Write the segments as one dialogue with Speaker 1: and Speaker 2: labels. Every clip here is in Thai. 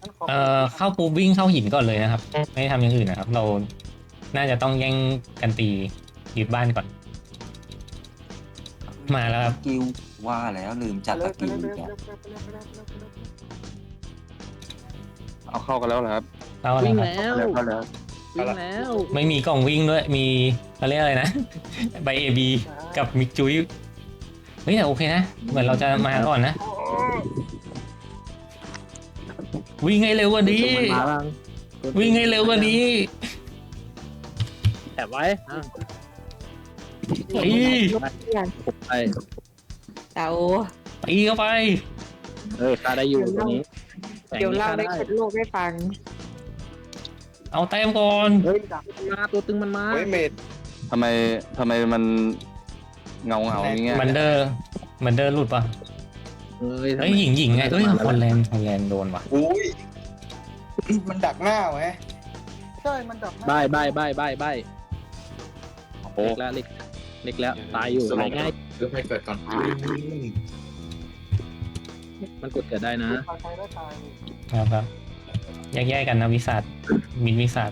Speaker 1: เข้าปุ๊บวิ่งเข้าหินก่อนเลยนะครับไม่ทำอย่างอื่นนะครับเราน่าจะต้องแย่งกันตียึดบ้านก่อนมาแล้วครับ
Speaker 2: กิวว่าแล้วลืมจัด
Speaker 3: ไป
Speaker 2: ตะ
Speaker 3: เลย
Speaker 2: กิว
Speaker 3: ไป
Speaker 2: อีก
Speaker 3: เลย
Speaker 2: แล้ว
Speaker 3: ไปเลยไปเลยไปเลยไปเลย
Speaker 4: เอาเข้ากันแล้วเหรอครับ
Speaker 1: เข้าแล้ว
Speaker 5: วิ่ง
Speaker 1: ครับ
Speaker 5: แล้ว
Speaker 4: เข้าแล้ว
Speaker 5: วิ่งแล้ว
Speaker 1: ไม่มีกล่องวิ่งด้วยมีเขาเรียกอะไรนะ ใบเอบีกับมิกจุยเฮ้ยแต่โอเคนะเหมือนเราจะมาก่อนนะวิ่งให้เร็วกว่านี้
Speaker 5: มันมาบ้าง
Speaker 1: วิ่งให้เร็วกว่านี้
Speaker 5: แอบไว้อ่ะ
Speaker 1: ตี
Speaker 5: ผมไป
Speaker 6: เดี๋ยว
Speaker 1: ตีเข้าไป
Speaker 5: ฆ่าได้อยู่ตรงนี้
Speaker 6: เดี๋ยวเล่า
Speaker 5: ฆ่
Speaker 6: ได้เกิดโลกให้ฟัง
Speaker 1: เอาแต้มก่อน
Speaker 5: เฮ้ยมาตัวตึงมันมา
Speaker 4: เฮ้ยเมดทำไมมันเงาอย่างเงี้ย
Speaker 1: มันเดอร์หลุดปะ
Speaker 5: เฮ้ย
Speaker 1: เฮ้ยหญิงไงเอ้ยฮอลแลนด์โดนว่ะ
Speaker 7: อุ้ยมันดักหน้าไว้
Speaker 3: ใช่มันดับหน้า
Speaker 5: ใบ
Speaker 4: โอ้
Speaker 5: เล็กแล้วตายอยู่ตายง่าย
Speaker 7: เพื่อให้เกิดก่อน
Speaker 5: มันกดเกิดได้นะ
Speaker 3: ตายได้ตาย
Speaker 1: ครับแยกกันนะวิสัทมินวิสัท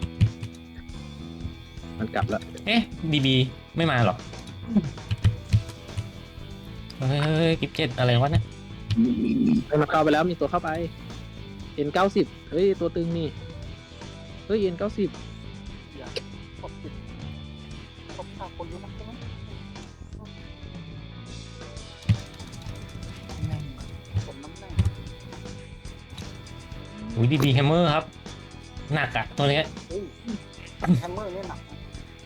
Speaker 5: มันกลับแล้ว
Speaker 1: เอ๊ะบีไม่มาหรอเฮ้ยกิฟเจ็ดอะไรวะเนี่ย
Speaker 5: มันเข้าไปแล้วมีตัวเข้าไป N90 เฮ้ยตัวตึงนี่เฮ้ย N90
Speaker 3: อย่าตบติดตบขาคนรู้นะใช่ไหมผมน้ำแน่
Speaker 1: อุ้ยบีแฮมเมอร์ครับหนักอะตัวเนี้ย
Speaker 3: เฮ้ยแฮมเมอร์เนี่ยหนักนะ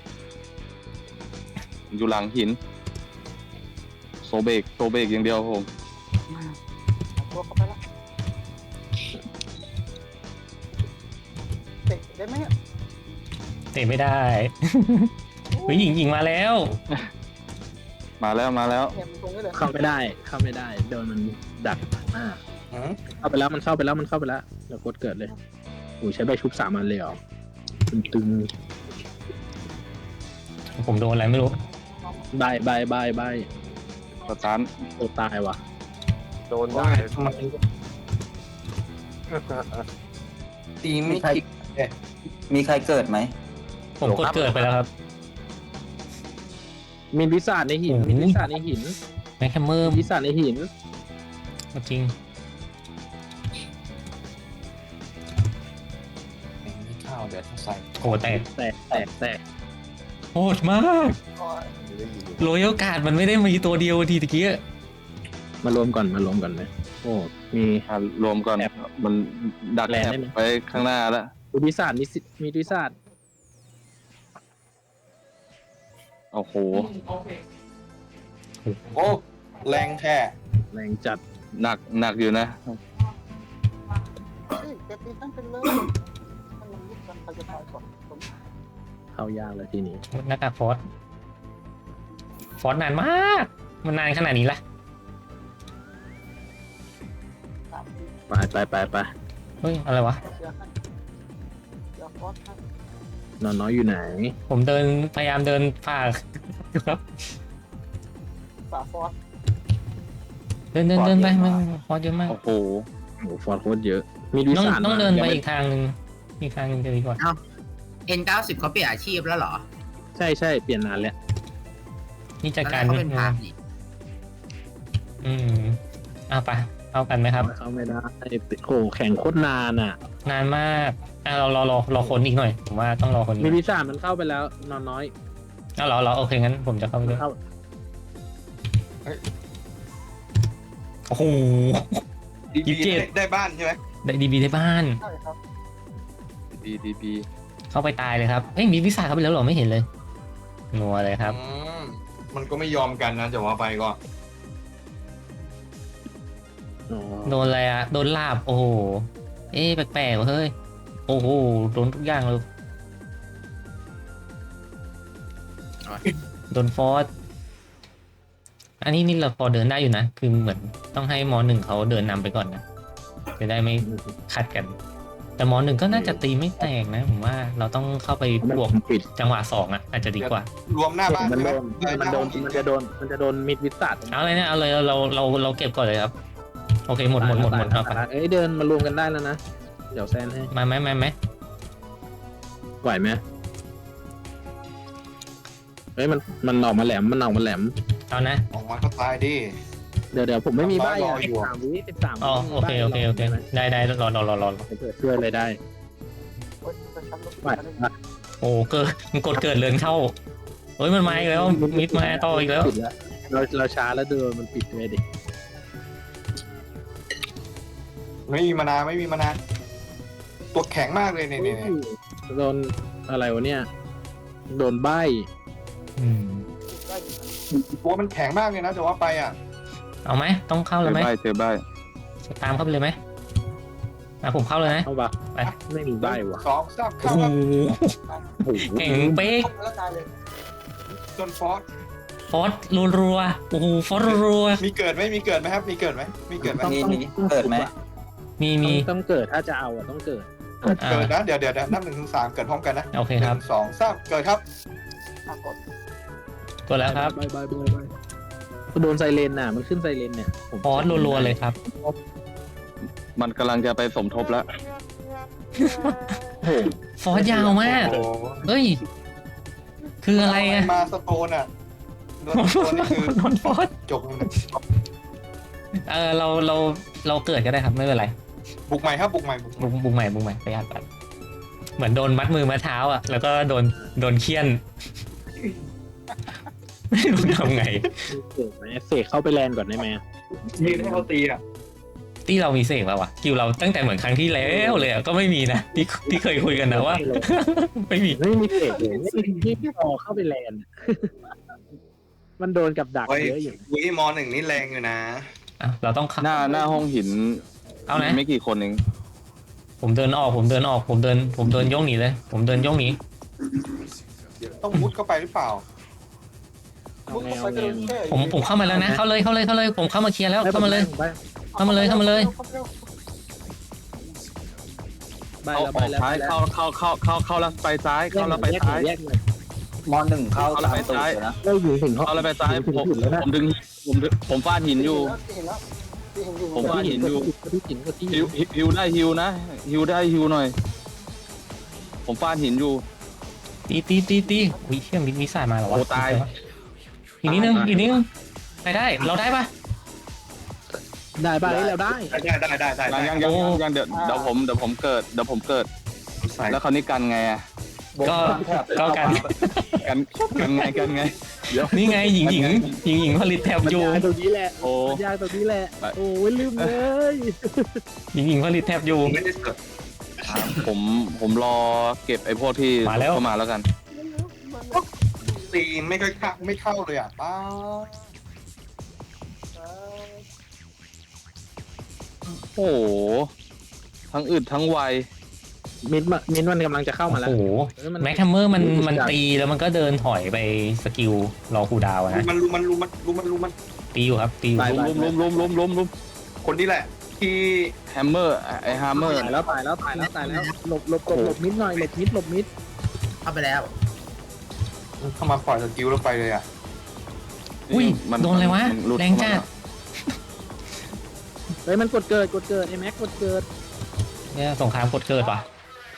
Speaker 4: อยู่หลังหินโซเบกอย่างเดียวผม
Speaker 3: ตัวเข้าไปแล้วเตะได้ไหมเนี่ย
Speaker 1: เตะไม่ได้เฮ้ยหญิงมาแล้ว
Speaker 4: มาแล้ว
Speaker 3: เนี่ยมันตรงนี้เลย
Speaker 5: เข้าไม่ได้โดนมันดักหน้าเข้าไปแล้วมันเข้าไปแล้วเดี๋ยวกดเกิดเลยโอ้ใช้ใบชุบ3 อันเลยเหรอตึง
Speaker 1: ผมโดนอะไรไม่รู้
Speaker 5: ใบ
Speaker 4: สตาร์ท
Speaker 5: โอ้ตายว่ะ
Speaker 7: โดนได้ตีไม่คิด
Speaker 2: มีใครเกิดไหม
Speaker 1: ผมกดเกิดไปแล้วครับ
Speaker 5: มีวิสาดในหิน
Speaker 1: โอ้โห
Speaker 5: มีวิสาดในหิน
Speaker 1: แมคแฮมเมอร์
Speaker 5: วิสาดในหิน
Speaker 1: จริง
Speaker 7: ไม่เข้าเดี๋ยวต้องใส่
Speaker 1: โอ้แตก
Speaker 5: แตก
Speaker 1: โหดมากโรยัลการ์ดมันไม่ได้มีตัวเดียวทีตะกี้
Speaker 5: มารวมก่อนเลยโอ้มี
Speaker 4: รวมก่อน
Speaker 5: แอบ
Speaker 4: มันดัก
Speaker 5: แลน
Speaker 4: แอบ
Speaker 5: ได้ไหม
Speaker 4: ไปข้างหน้าแล้ว
Speaker 5: วิสาดมีวิสาด
Speaker 4: โอ้โห
Speaker 7: โอ้แรงแค่
Speaker 5: แรงจัด
Speaker 4: หนักอยู่นะ
Speaker 3: เฮ้ยแกตีตั้งเป็นเลยถ้ามันยึดกันใครจะตายก่อนผม
Speaker 5: เข้ายากเลยทีนี้
Speaker 1: หน้ากากฟอสนานมากมันนานขนาดนี้ละ
Speaker 5: ไป
Speaker 1: เฮ้ยอะไรวะ
Speaker 3: เชียร์ให้เชียร์ฟอสให้
Speaker 5: นอนน้อยอยู่ไหน
Speaker 1: ผมพยายามเดินฝ่าครับ
Speaker 3: ฝาฟอส
Speaker 1: เดินไปมันฟอสเยอะมาก
Speaker 4: โอ้โห
Speaker 5: โอ้ฟอร์โคตรเยอะ มีวิ
Speaker 1: ต้อง
Speaker 5: สาด
Speaker 1: ต้องเดินไป
Speaker 5: ยังม่
Speaker 1: อีกทางหนึ่งจะดีกว่า
Speaker 8: N90 เขาเปลี่ยนอาชีพแล้วเหรอ
Speaker 5: ใช่เปลี่ยนนานแล้ว
Speaker 1: นี่จัด
Speaker 8: ตอน
Speaker 1: การ
Speaker 8: แรเขาเป็นพรามนี่
Speaker 1: เอาไปเอากันไหมครับ
Speaker 5: เข้าไม่ได้โอ้แข่งโคตรนานอ่ะ
Speaker 1: นานมากเราคนอีกหน่อยผมว่าต้องรอคนอีก
Speaker 5: มีวิสาดมันเข้าไปแล้ว นอนน้อย
Speaker 1: เราโอเคงั้นผมจะเข้าไปด้วย
Speaker 5: เข้า
Speaker 1: โอ้โห 27
Speaker 7: ได้บ้านใช่ไหม
Speaker 1: ได้ดีบีได้บ้าน
Speaker 3: ใช่ครับ
Speaker 4: ดี
Speaker 1: เข้าไปตายเลยครับเฮ้ยมีวิสาเข้าไปแล้วเหรอไม่เห็นเลยนัวเลยครับ
Speaker 7: มันก็ไม่ยอมกันนะจะว่าไปก็
Speaker 5: อ๋อ
Speaker 1: โดนอะไรอะโดนลาบโอ้โหแปลกๆว่ะเฮ้ยโอ้โหโดนทุกอย่างเลยโดนฟอสอันนี้เราพอเดินได้อยู่นะคือเหมือนต้องให้ม.1เขาเดินนำไปก่อนนะจะได้ไม่ขัดกัน แต่ม.1ก็น่าจะตีไม่แตกนะผมว่าเราต้องเข้าไปบวก
Speaker 5: ปิด
Speaker 1: จังหวะ2อ่ะอาจจะดีกว่า
Speaker 7: รวมหน้าบ้าน
Speaker 5: มัน
Speaker 7: ใช่ไห
Speaker 5: โดนมันจะโดนมิดวิสาด
Speaker 1: เอาเลยนะเอาเลยเราเก็บก่อนเลยครับโอเคหมดเอาไป
Speaker 5: เอ้ยเดินมารวมกันได้แล้วนะเดี๋ยวแซนให้
Speaker 1: มาไหม
Speaker 5: ไหวไหมเฮ้ยมันออกมาแหลม
Speaker 1: เอานะ
Speaker 7: ออกมาก็ตายดิ
Speaker 5: เดี๋ยวผมไม่มีใบ
Speaker 7: รอ
Speaker 5: อ่ะ
Speaker 7: อยู่
Speaker 5: 13
Speaker 1: อ๋อโอเคได้รอ
Speaker 5: เกิดช่วยเลยได้
Speaker 3: โอ้ยจะช้ำลง
Speaker 5: ไหว
Speaker 3: ไป
Speaker 5: ปะ
Speaker 1: โอ้เกิดมันกดเกิดเรือนเข้าเฮ้ยมันมาอีกแล้วมิดมาต่ออีกแล้ว
Speaker 5: ปิดแล้วเราช้าแล้วเดินมันปิดเลยดิ
Speaker 7: ไม่มีมานาตัวแข็งมากเลยเนี่ย
Speaker 5: โดนอะไรวะเนี่ยโดนใบ
Speaker 1: อืม
Speaker 3: ได้อยู่นะ
Speaker 7: ตัวมันแข็งมากเลยนะจะว่าไปอ่ะ
Speaker 1: เอาไหมต้องเข้าเลยไหม
Speaker 4: เจอใบ
Speaker 1: ตามเข้าไปเลยไหมผมเข้าเลยนะ
Speaker 5: เข้าปะ
Speaker 1: ไป
Speaker 5: ไม่มีใบวะ
Speaker 7: 2 3
Speaker 1: โอ้
Speaker 7: เข้า
Speaker 1: โห
Speaker 7: ครับ
Speaker 1: เก่งเป๊ก
Speaker 3: แล้วตายเลย
Speaker 7: จนฟอส
Speaker 1: ฟอสรัวๆโอ้โหฟอสรัว
Speaker 7: มีเกิดไหมครับมีเกิดไหม
Speaker 2: นี่เกิดไหม
Speaker 1: ๆมี
Speaker 5: ต้องเกิดถ้าจะเอาอ่ะต้องเกิด
Speaker 7: เกิดนะเดี๋ยวนับ1 ถึง 3เกิดพร้อมกันนะ
Speaker 1: โอเคครับ
Speaker 7: 1 2 3เกิดครับ
Speaker 3: กด
Speaker 1: กดแล้วครับ
Speaker 5: ใบโดนไซเรนน่ะมันขึ้นไซเรนเนี่ยผม
Speaker 1: ฟอสรัวๆเลยครับ
Speaker 4: มันกำลังจะไปสมทบแล้ว
Speaker 1: ฟอสยาวมาก
Speaker 7: โอ้โห
Speaker 1: เฮ้ยคืออะไรอะ
Speaker 7: มาสโตนอ่ะโดนสโตนนี่คือ
Speaker 1: โดนฟอส
Speaker 7: จบเลยนะ
Speaker 1: เราเกิดก็ได้ครับไม่เป็นไร
Speaker 7: บุกใหม่ครับบุกใหม่
Speaker 1: บุกใหม่ประหยัดกันเหมือนโดนมัดมือมัดเท้าอ่ะแล้วก็โดนเคี่ยน ไม่รู้ทำไง
Speaker 5: เกิดไหมเสกเข้าไปแลนก่อนได้ไหม
Speaker 7: ยืนให้เขาตีอ่ะ
Speaker 1: ที่เรามีเสกแล้ววะคิวเราตั้งแต่เหมือนครั้งที่แล้วเลยอะก็ไม่มีนะที่เคยคุยกันนะว่า ไม่มี
Speaker 5: ไม่มีเสกเลยไม่พอเข้าไปแลนมันโดนกับดัก
Speaker 7: เฮ้ย
Speaker 5: เยอะอยู่
Speaker 7: วิม1นี่แรงอยู่นะ
Speaker 1: อ่ะเราต้องเข้า
Speaker 4: หน้าห้องหิน
Speaker 1: เอานะ
Speaker 4: มีไม่กี่คนเอง
Speaker 1: ผมเดินออกผมเดินย่องหนีเลยผมเดินย่องหนี
Speaker 7: ต้องมุดเข้าไปหรือเปล่า
Speaker 5: เอา
Speaker 3: มุด
Speaker 5: ไง
Speaker 3: เข้าไป
Speaker 5: เอา
Speaker 3: ก็
Speaker 5: ไง
Speaker 3: โดนแช่
Speaker 1: ผมเข้ามาแล้วนะเข้าเลยผมเข้ามาเคลียร์แล้วเข้ามาเลย
Speaker 5: ใบ
Speaker 1: เข้ามาเลย
Speaker 3: เข้าเร็ว
Speaker 5: ใบ
Speaker 4: เข้า
Speaker 5: แล้ว
Speaker 4: อ
Speaker 5: ใบอก แล้ว
Speaker 4: ซ้ายเข้าแล้วไปซ้ายเข้าแล้วไปซ้าย
Speaker 5: แยกเลย
Speaker 2: ม1เข้าตามตูดเลยนะ
Speaker 5: เราอยู่ถึง
Speaker 4: เข้าแล้วไปซ้ายผม
Speaker 5: แล้วนะ
Speaker 4: ผมฟาดหินอยู่
Speaker 3: เห็นแล้วที่เห็นอยู่
Speaker 4: ผมว่าหินอยู่
Speaker 5: ที่หินก็ที่
Speaker 4: ฮิวได้ฮิวนะฮิวได้ฮิวหน่อย ผมฟาดหินอยู่
Speaker 1: ตีอุ้ยเชี่ยมีสายมาเหรอวะ
Speaker 4: โอ้ตาย
Speaker 1: อีกนิดนึงได้เราได้ปะ
Speaker 5: ได้ใบแล้วได้
Speaker 7: ได้
Speaker 4: ยังเดี๋ยวผมเกิดแล้วคราวนี้กันไงอ่ะ
Speaker 1: ก็กัน
Speaker 4: กันไงเดี๋ยว
Speaker 1: นี่ไงหญิงผลิตแถบอยู่
Speaker 5: ยากตรงนี้แหละ
Speaker 4: โอ้
Speaker 5: ยากตรงนี้แหละโอ้ยลืมเลย
Speaker 1: หญิงผลิตแถบอยู่
Speaker 7: ไม่ได้เสิร์ฟ
Speaker 4: ผมรอเก็บไอ้พวกที่
Speaker 1: มาแล้ว
Speaker 4: เข้ามาแล้วกัน
Speaker 7: ตีไม่เข้าเลยอ่ะป้า
Speaker 4: โอ้โหทั้งอึดทั้งไว
Speaker 5: มินมันกำลังจะเข้ามาแล้ว
Speaker 1: โอ้โหแม็กทัมเมอร์มันตีแล้วมันก็เดินถอยไปสกิลรอคูลดาวน์อะนะ
Speaker 7: มัน
Speaker 1: ตีอยู่ครับตีอยู่
Speaker 4: ล้ม
Speaker 7: คนนี้แหละ ที่
Speaker 4: แฮมเมอร์ไอ้ฮมเมอร์
Speaker 5: ตายแล้วหลบมิดหน่อยหลบมิด
Speaker 8: เข้าไปแล้ว
Speaker 7: เข้ามาปล่อยสกิลแล้วไปเลยอ่ะ
Speaker 1: อุ้ยโดนอะไรวะ
Speaker 4: มันหลุด
Speaker 1: แรงจัด
Speaker 5: เฮ้ยมันกดเกิดไอ้แม็กกดเกิด
Speaker 1: เนี่ยสงครามกดเกิดว่ะ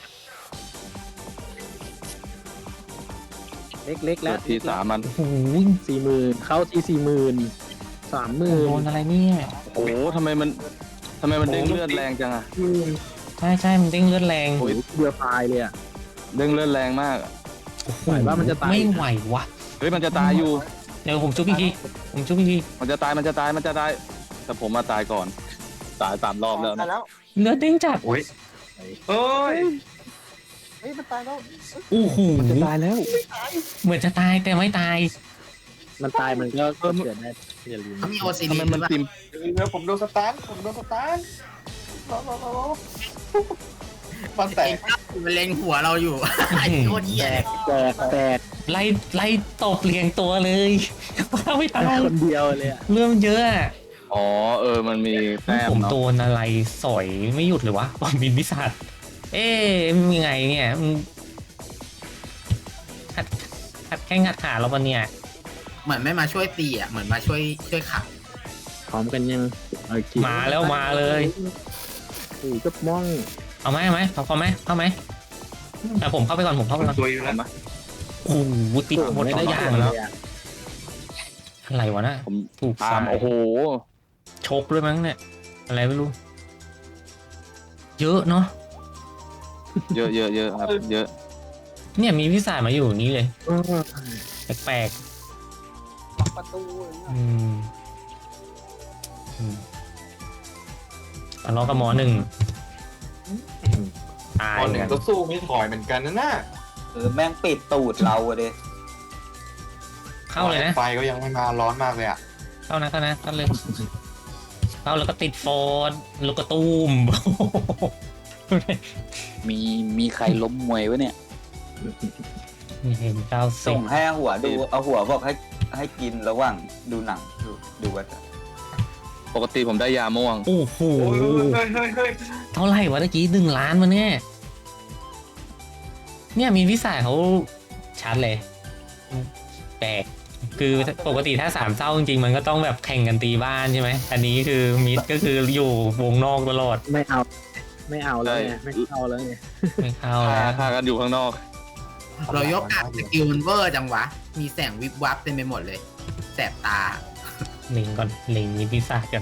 Speaker 5: เล็กแล้ว
Speaker 4: ทีสามมัน
Speaker 1: โอ้โห
Speaker 5: 40,000เข้าที่40,000 30,000
Speaker 1: โดนอะไรเนี่ย
Speaker 4: โอ้โหทำไมมันเด้งเลือดแรงจังอะ
Speaker 1: ใช่มันเด้งเลือดแรง
Speaker 5: โอ้ยเดือดตายเลยอ่ะ
Speaker 4: เด้งเลือดแรงมาก
Speaker 5: ไหวว่ามันจะตาย
Speaker 1: ไม่ไหววะ
Speaker 4: เฮ้ยมันจะตายอยู่
Speaker 1: เดี๋ยวผมจุ๊บอีกที
Speaker 4: มันจะตายแต่ผมมาตายก่อนตาย3 รอบแล้ว
Speaker 3: ตาย
Speaker 4: นะ
Speaker 3: แล้ว
Speaker 1: เลือดเด้งจัด
Speaker 7: โอ้ยเอ้ย
Speaker 3: เฮ้ยมันตายแล้ว
Speaker 1: โอ้โห
Speaker 5: จะตายแล้ว
Speaker 1: เหมือนจะตายแต่ไม่ตาย
Speaker 5: มันตายมันก็เกิดได้อย่าลืม
Speaker 8: เขามีโอซี
Speaker 4: ทำ
Speaker 8: ดี
Speaker 4: ไมมันติม
Speaker 7: เดี๋ยวผมโดนสตาร์ทรอมันแตก
Speaker 8: มันเล็งหัวเราอยู่ ไอ้โคตรเหี้ยเลย
Speaker 5: แตก
Speaker 1: ไล่ตบเรียงตัวเลยไม่ตาย
Speaker 5: คนเดียวเลยอ่ะ
Speaker 1: เรื่องเยอะอะ
Speaker 4: อ๋อมันมีแต้ม
Speaker 1: ผม
Speaker 4: เนาะ
Speaker 1: โดนอะไรสอยไม่หยุดเลยวะบอมบินพิศาจมันยังไงเนี่ยหัดแข้งหัดขาเราปะเนี่ย
Speaker 8: เหมือนไม่มาช่วยตีอ่ะ เหมือนมาช่วยขับ
Speaker 5: พร้อมกันยัง
Speaker 1: มาแล้วมาเลย
Speaker 5: โอ้ก็มอง
Speaker 1: เอาไหมเข้าไหมแต่ผมเข้าไปก่อนผมเข้าไปก่อน
Speaker 7: ตัวอยู่แล้ว
Speaker 1: โอ้โหติดหมดทุกอย่างแล้วอะไรวะน่ะ
Speaker 4: ผม
Speaker 1: ถูก
Speaker 4: ตา
Speaker 1: สาม ย
Speaker 4: โอ้โห
Speaker 1: ชกด้วยมั้งเนี่ยอะไรไม่รู้ เยอะเนาะ
Speaker 4: เยอะครับเยอะ
Speaker 1: เนี่ยมีวิสัยมาอยู่อย่างนี้เลยแปลก
Speaker 3: ล็อกประตูอย่างเงี้ย
Speaker 1: ๆทะเลาะกับหมอหนึ่งตาย
Speaker 7: ตอนห
Speaker 1: เหมื
Speaker 7: นึ่
Speaker 1: อง น
Speaker 7: ก็สู้ไม่ถอยเหมือนกันนะน่ะ
Speaker 2: แม่งปิดตูดเราอะเด้
Speaker 1: เข้าเลยนะ
Speaker 7: ไฟก็ยังไม่มาร้อนมากเลยอ่ะ
Speaker 1: เข้าเลยเข้าแล้วก็ติดโฟนลูกกระตูม
Speaker 2: มีใครล้มมวยวะเนี่ย
Speaker 1: นี่เห็นเก้าสิ
Speaker 2: ส่
Speaker 1: บ
Speaker 2: งให้หัวดูเอาหัวบอกให้กินระหว่างดูหนังดูว่าจะ
Speaker 4: ปกติผมได้ยาม่วง
Speaker 1: โอ้โห
Speaker 7: โอ้ยเฮ้ย
Speaker 1: เท่าไหร่วะเมื่อกี้1 ล้านมาเนี่ยมีวิสัยเขาชัดเลยแปลกคือปกติถ้า3เศร้าจริงๆมันก็ต้องแบบแข่งกันตีบ้านใช่ไหมอันนี้คือมิดก็คืออยู่วงนอกตลอด
Speaker 5: ไม่เอาแล้วไงไม่เข้าแล้วไง
Speaker 1: ไม่เข้า
Speaker 4: ฆ่า
Speaker 1: แล้ว
Speaker 4: ฆ่ากันอยู่ข้างนอก
Speaker 8: เรายกอัดสกิลมันเวอร์จังวะ มีแสงวิบวับเต็มไปหมดเลย แสบตา
Speaker 1: ลิงก่อนลิงมีวิสัยกัน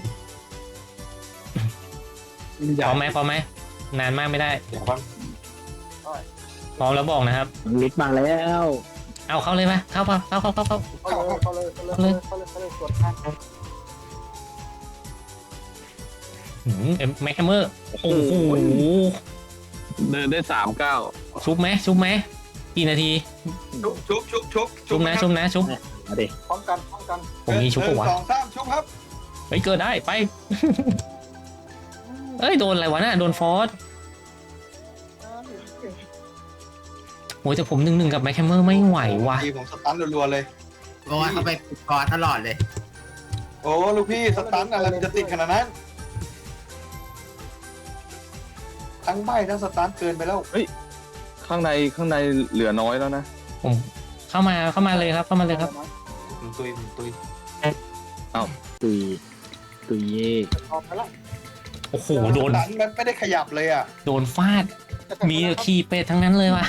Speaker 1: พร้อมไหมนานมากไม่ได้
Speaker 7: เดี๋ยวก่อน
Speaker 1: พร้อมแล้วบอกนะครับ
Speaker 5: ลิฟต์มาแล้ว
Speaker 1: เอาเข้าเลยไหมเข้าปะเข้า
Speaker 3: เขาเลยสวดท่าน
Speaker 1: แม็กแฮมเมอร์โอ้โห
Speaker 4: เดินได้
Speaker 1: ชุบไหมกี่นาที ชุบนะ
Speaker 5: มาดิ
Speaker 3: พร้อมกัน
Speaker 1: ผมมีชุบปะวะ
Speaker 7: 1 2 3ชุบครับ
Speaker 1: เฮ้ยเกิดได้ไป เอ้ยโดนอะไรวะน่ะโดนฟอสโอ้ยแต่ผม1-1กับแม็กแฮมเมอร์ไม่ไหวว่ะ
Speaker 7: ทีผมสตันรัวๆเลย
Speaker 8: เพราะว่าเขาไปกอตลอดเลย
Speaker 7: โอ้ลูกพี่สตันอะไรมันจะติดขนาดนั้นทั้งใบทั้งสตันเกินไปแล้ว
Speaker 4: ข้างในเหลือน้อยแล้วนะ
Speaker 1: ผมเข้ามาเลยครับ
Speaker 7: ผมตุย
Speaker 5: ตุยเย่
Speaker 3: ออกไปแล้ว
Speaker 1: โอ้โหโดน
Speaker 7: สตันมันไม่ได้ขยับเลยอ่ะ
Speaker 1: โดนฟาดมีแต่ขี้เป็ดทั้งนั้นเลยว่ะ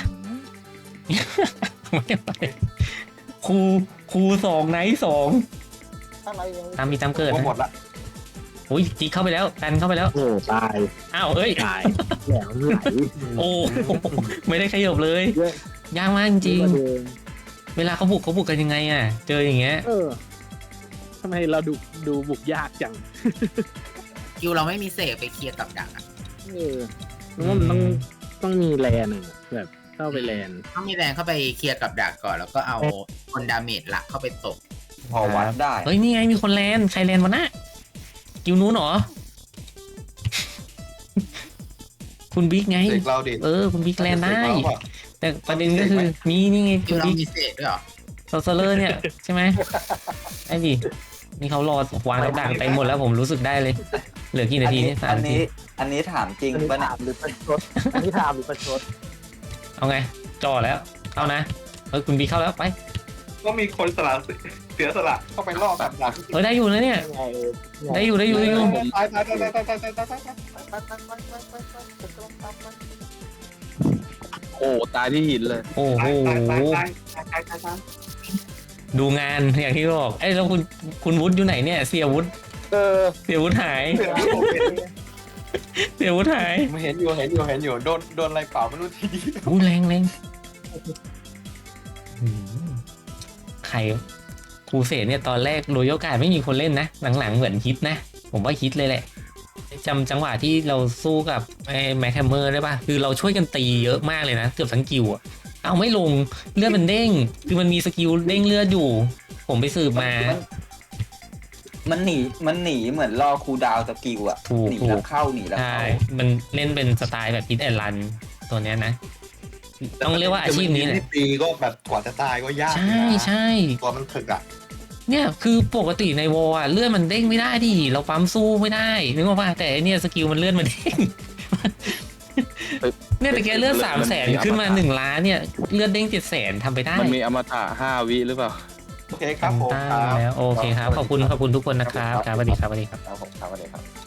Speaker 1: ไม่ไหวครู2 ไนท์ 2
Speaker 3: อะไรยัง
Speaker 1: ตามมีตามเกิด
Speaker 7: โอ้
Speaker 1: นะ
Speaker 7: หมดละ
Speaker 1: โอ้ยจีเข้าไปแล้วกันเข้าไปแล้ว
Speaker 5: โอ้ตาย
Speaker 1: อ้าวเอ้ย
Speaker 5: ตายแหลมไหล
Speaker 1: โอ้ไม่ได้ขยับเลยยากมากจริงๆเวลาเขาบุกกันยังไงอ่ะเจออย่างเงี้ย
Speaker 5: ทำไมเราดูบุกยากจัง
Speaker 8: คิวเราไม่มีเสกไปเคลียร์กับดักอะ
Speaker 5: มันต้องมีแลนอะแบบเข้าไปแลน
Speaker 8: ต้องมีแรงเข้าไปเคลียร์กับดักก่อน แล้วก็เอาคนดาเมจหลักเข้าไปตบ
Speaker 2: พอวัดได้
Speaker 1: เฮ้ยนี่ไงมีคนแลนใครแลนวะน่ะกิวนู้นเหรอ คุณบิ๊กไง
Speaker 7: เด็กเราดิ
Speaker 1: คุณบิ๊กแลนได้ แต่ประเด็นก็คือนี่ไง
Speaker 8: คิ
Speaker 1: คุ
Speaker 8: ว
Speaker 1: ณ
Speaker 8: เรา
Speaker 1: บิ๊ก
Speaker 8: มีเสกด้วยเหรอ
Speaker 1: โซเลอร์เนี่ยใช่ไหมไอ้ดินี่เขารอวางกับดักเต็มหมดแล้วผมรู้สึกได้เลย เหลือกี่นาทีนี่3 นาที
Speaker 2: อันนี้ถามจริงปะเนี่ย
Speaker 5: หรือประชดอันนี้ถามหรือประชด
Speaker 1: เอาไงจ่อแล้วเข้านะคุณบิ๊กเข้าแล้วไป
Speaker 7: ก็มีคนสละเสียสละเข้าไปล่อแบบหลัง
Speaker 1: ได้อยู่นะเนี่ย ได้อยู่
Speaker 7: ตาย
Speaker 3: ไป
Speaker 4: โอ้ตายที่หินเลย
Speaker 1: โอ้โหดูงานอย่างที่บอกเอ้ยแล้วคุณวุฒิอยู่ไหนเนี่ยเสียวุฒิหายเสียวุฒิหาย
Speaker 7: เห็นอยู่โดนอะไรเปล่าไม่รู้ที
Speaker 1: อู้แรงใครครูเสดเนี่ยตอนแรกโรยโอกาสไม่มีคนเล่นนะหลังๆเหมือนฮิตนะผมว่าฮิตเลยแหละจำจังหวะที่เราสู้กับไอ้แม็กแฮมเมอร์ได้ป่ะคือเราช่วยกันตีเยอะมากเลยนะเกือบทั้งกิวอะเอาไม่ลงเลือดมันเด้งคือมันมีสกิลเด้งเลือดอยู่ผมไปสืบมา
Speaker 2: มันหนีเหมือนรอคูลดาวน์สกิลอะ
Speaker 1: ถูก
Speaker 2: หนีแล้วเข้า
Speaker 1: ใช่มันเล่นเป็นสไตล์แบบฮิตแอนด์รันตัวเนี้ยนะต้องเรียกว่าอาชีพนี้แหละ
Speaker 7: ตีก็แบบกว่าจะตายก็ยาก
Speaker 1: ใช่
Speaker 7: ตัวมันถึกอ่ะ
Speaker 1: เนี่ยคือปกติในวอลเลือดมันเด้งไม่ได้ดิเราปั๊มสู้ไม่ได้นึกว่าแต่เนี่ยสกิลมันเลือดมันเด้งเนี่ยแต่แกเลือด300,000ขึ้นมา1 ล้านเนี่ยเลือดเด้ง700,000ทำไปได้
Speaker 4: มันมีอมตะ5 วิหรือเปล่า
Speaker 7: โอเคครับผม
Speaker 1: ได้แล้วโอเคครับขอบคุณทุกคนนะครับครับสวัสดีครับ
Speaker 2: ครับผมครับสวัสดีครับ